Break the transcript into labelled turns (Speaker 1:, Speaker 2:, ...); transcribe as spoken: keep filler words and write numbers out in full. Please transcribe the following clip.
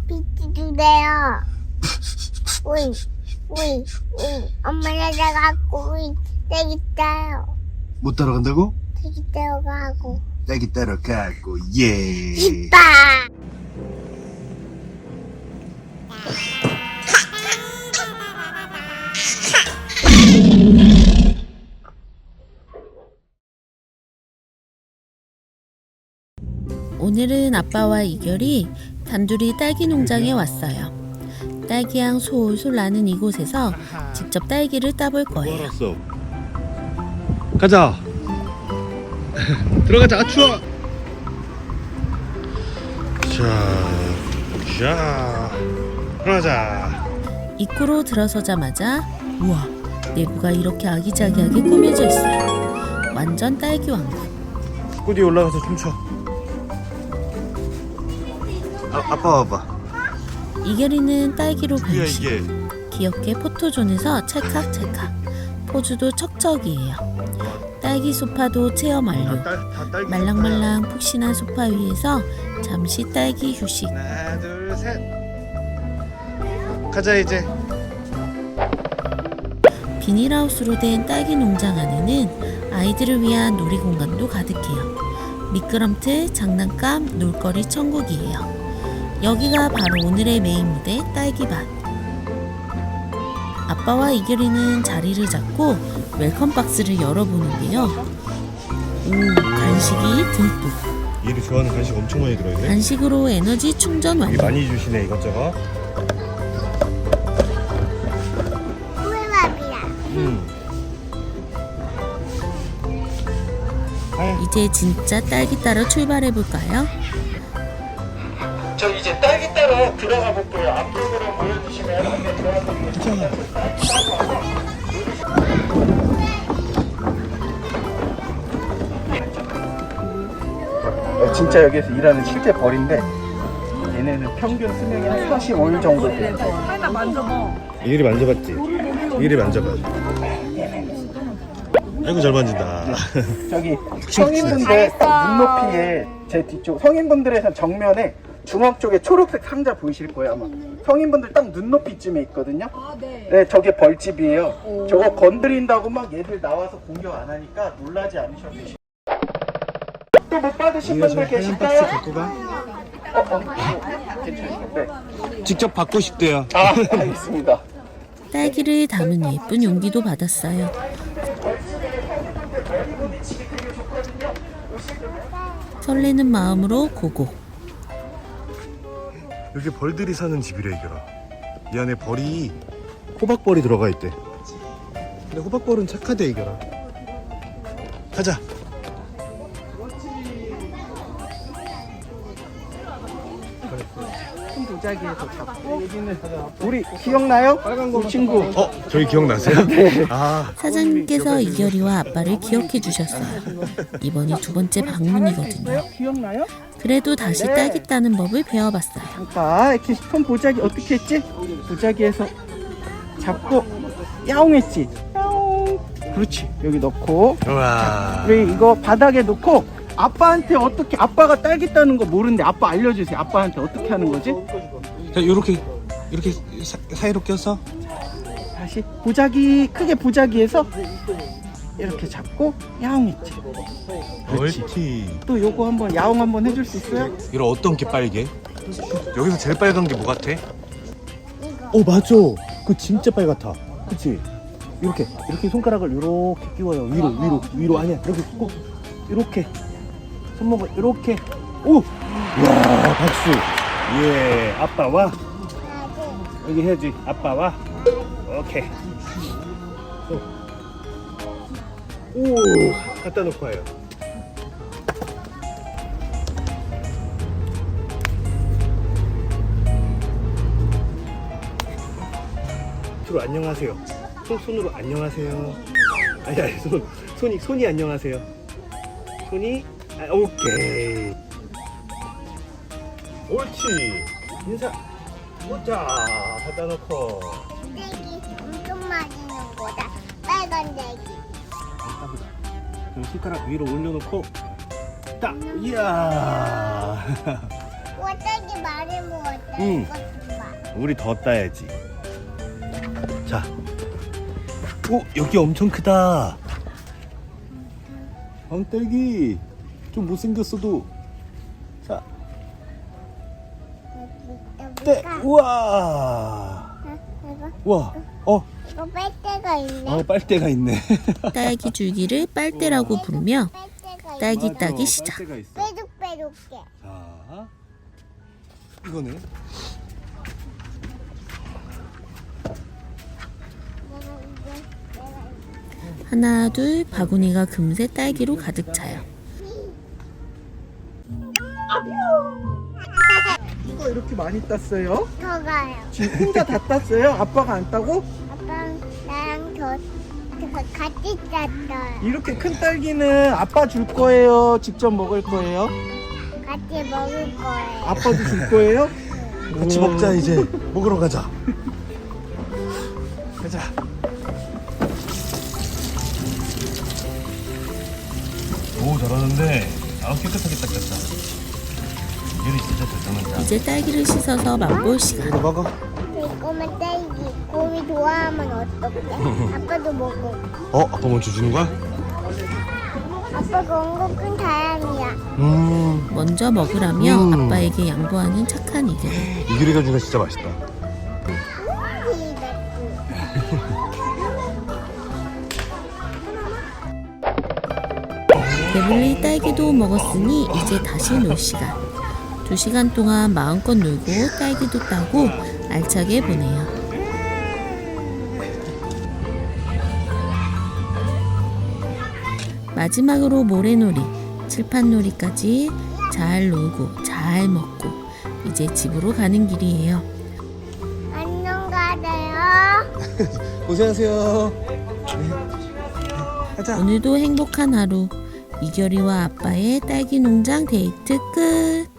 Speaker 1: 비트 주세요. 우이, 우이, 우이. 엄마가 나가고 우이 딸기 따요.
Speaker 2: 못 따라간다고?
Speaker 1: 딸기 따러 가고.
Speaker 2: 딸기 따라가고 예.
Speaker 1: 이빠.
Speaker 3: 오늘은 아빠와 이결이 단둘이 딸기 농장에 왔어요. 딸기향 솔솔 나는 이곳에서 직접 딸기를 따볼 거예요.
Speaker 2: 알았어. 가자. 들어가자. 아, 추워. 자, 자, 들어가자.
Speaker 3: 입구로 들어서자마자 우와, 내부가 이렇게 아기자기하게 꾸며져 있어요. 완전 딸기 왕국.
Speaker 2: 꾸디 올라가서 춤춰. 아, 아빠 와봐.
Speaker 3: 이결이는 딸기로
Speaker 2: 이게
Speaker 3: 변신.
Speaker 2: 이게.
Speaker 3: 귀엽게 포토존에서 찰칵찰칵. 포즈도 척척이에요. 딸기 소파도 체험 완료.
Speaker 2: 딸, 다 딸기.
Speaker 3: 말랑말랑 푹신한 소파 위에서 잠시 딸기 휴식.
Speaker 2: 하나, 둘, 셋. 가자 이제.
Speaker 3: 비닐하우스로 된 딸기 농장 안에는 아이들을 위한 놀이공간도 가득해요. 미끄럼틀, 장난감, 놀거리 천국이에요. 여기가 바로 오늘의 메인 무대 딸기밭. 아빠와 이결이는 자리를 잡고 웰컴 박스를 열어보는데요. 오, 간식이 듬뿍.
Speaker 2: 얘를 좋아하는 간식 엄청 많이 들어있네.
Speaker 3: 간식으로 에너지 충전 완료.
Speaker 2: 많이 주시네 이것저것.
Speaker 1: 꿀밥이야.
Speaker 2: 음.
Speaker 3: 이제 진짜 딸기 따러 출발해볼까요?
Speaker 4: 저 이제 딸기 따러 들어가 볼게요. 앞쪽으로 보여주시면 한번 들어가보겠습니다. 진짜 여기에서 일하는 실제 벌인데 얘네는 평균 수명이 한 사십오 일 정도 돼요.
Speaker 2: 이리 만져봤지? 이리 만져봐. 아이고 잘 만진다.
Speaker 4: 저기 성인분들 눈높이에 제 뒤쪽 성인분들에선 정면에 중앙 쪽에 초록색 상자 보이실 거예요 아마. 성인분들 딱 눈높이쯤에 있거든요.
Speaker 5: 아, 네.
Speaker 4: 네, 저게 벌집이에요. 저거 건드린다고 막 얘들 나와서 공격 안 하니까 놀라지 않으셔도 돼요. 또 못 받으신 분들 계실까요? 어, 어, 어, 괜찮으시죠? 네.
Speaker 2: 직접 받고 싶대요.
Speaker 4: 아, 알겠습니다.
Speaker 3: 딸기를 담은 예쁜 용기도 받았어요. 설레는 마음으로 고고.
Speaker 2: 여기 벌들이 사는 집이래 이거라. 이 안에 벌이 호박벌이 들어가 있대. 근데 호박벌은 착하대 이거라. 가자.
Speaker 4: 큰 도자기에서 잡고 우리 기억나요? 우리 친구.
Speaker 2: 어, 저희 기억나세요? 네. 아,
Speaker 3: 사장님께서 이결이와 아빠를 기억해 주셨어요. 이번이 두 번째 방문이거든요.
Speaker 4: 기억나요?
Speaker 3: 그래도 다시 딸기 따는 법을 배워봤어요.
Speaker 4: 아까 이렇게 손 보자기 어떻게 했지? 보자기에서 잡고 야옹했지? 야옹. 그렇지. 여기 넣고
Speaker 2: 우와.
Speaker 4: 우리 이거 바닥에 놓고 아빠한테 어떻게, 아빠가 딸기 따는 거 모르는데 아빠 알려주세요. 아빠한테 어떻게 하는 거지?
Speaker 2: 자, 요렇게 이렇게 사, 사이로 껴서
Speaker 4: 다시 보자기, 크게 보자기에서 이렇게 잡고 야옹했지.
Speaker 2: 옳지.
Speaker 4: 또 요거 한번 야옹 한번 해줄 수 있어요?
Speaker 2: 이런 어떤 게 빨개? 여기서 제일 빨간 게 뭐 같아? 어, 맞아. 그 진짜 빨갛다. 그치? 이렇게 이렇게 손가락을 이렇게 끼워요. 위로 위로 위로 아니야. 이렇게 꼭 이렇게 손목을 이렇게. 오! 와, 박수. 예, 아빠 와. 여기 해야지. 아빠 와. 오케이. 오, 오, 갖다 놓고 와요. 손으로 안녕하세요. 손 손으로 안녕하세요. 아니 아니 손 손이 손이 안녕하세요. 손이 아, 오케이. 옳지. 인사. 오자 갖다 놓고.
Speaker 1: 딸기 엄청 맛있는 거다. 빨간 딸기.
Speaker 2: 그럼 손가락 위로 올려놓고 딱. 이야.
Speaker 1: 와, 딸기 맛 많이 먹었다.
Speaker 2: 응.
Speaker 1: 이것도 봐.
Speaker 2: 우리 더 따야지. 자. 오, 여기 엄청 크다. 왕딸기. 좀 못생겼어도. 자,
Speaker 1: 여기,
Speaker 2: 떼.
Speaker 1: 여기가
Speaker 2: 우와.
Speaker 1: 이거
Speaker 2: 우와. 어,
Speaker 1: 이거 빨대가 있네.
Speaker 2: 어, 빨대가 있네.
Speaker 3: 딸기 줄기를 빨대라고 부르며
Speaker 1: 빨대가 있네.
Speaker 3: 딸기
Speaker 2: 맞아,
Speaker 3: 따기 시작.
Speaker 2: 빨대가 있어.
Speaker 1: 빼둑빼둑해.
Speaker 2: 자, 이거는
Speaker 1: 내가 이제 내가 이제
Speaker 3: 하나 둘 바구니가 금세 딸기로 가득 차요.
Speaker 4: 누가 이렇게 많이 땄어요?
Speaker 1: 더 가요.
Speaker 4: 지금 혼자 다 땄어요? 아빠가 안 따고?
Speaker 1: 아빠랑 나랑 더, 더 같이 짰어요.
Speaker 4: 이렇게 큰 딸기는 아빠 줄 거예요? 직접 먹을 거예요?
Speaker 1: 같이 먹을 거예요.
Speaker 4: 아빠도 줄 거예요?
Speaker 2: 같이
Speaker 4: 우와.
Speaker 2: 먹자. 이제 먹으러 가자. 가자. 오, 잘하는데. 아, 깨끗하게 닦았다. 이리 진짜 잘 닦는다.
Speaker 3: 이제 딸기를 씻어서 맛볼 시간.
Speaker 2: 이거 먹어.
Speaker 1: 달콤한 딸기. 곰이 좋아하면 어떡해? 아빠도 먹어.
Speaker 2: 어, 아빠 먼저 주는 거야?
Speaker 1: 아빠가 온 거 큰 다행이야.
Speaker 2: 음,
Speaker 3: 먼저 먹으라며
Speaker 2: 음.
Speaker 3: 아빠에게 양보하는 착한 이들.
Speaker 2: 이규리가 주니까 진짜 맛있다.
Speaker 3: 배불리 딸기도 먹었으니 이제 다시 놀 시간. 두 시간 동안 마음껏 놀고 딸기도 따고 알차게 보내요. 마지막으로 모래놀이, 칠판놀이까지 잘 놀고 잘 먹고 이제 집으로 가는 길이에요.
Speaker 1: 안녕 가세요.
Speaker 2: 고생하세요. 가자.
Speaker 3: 오늘도 행복한 하루. 이결이와 아빠의 딸기 농장 데이트 끝.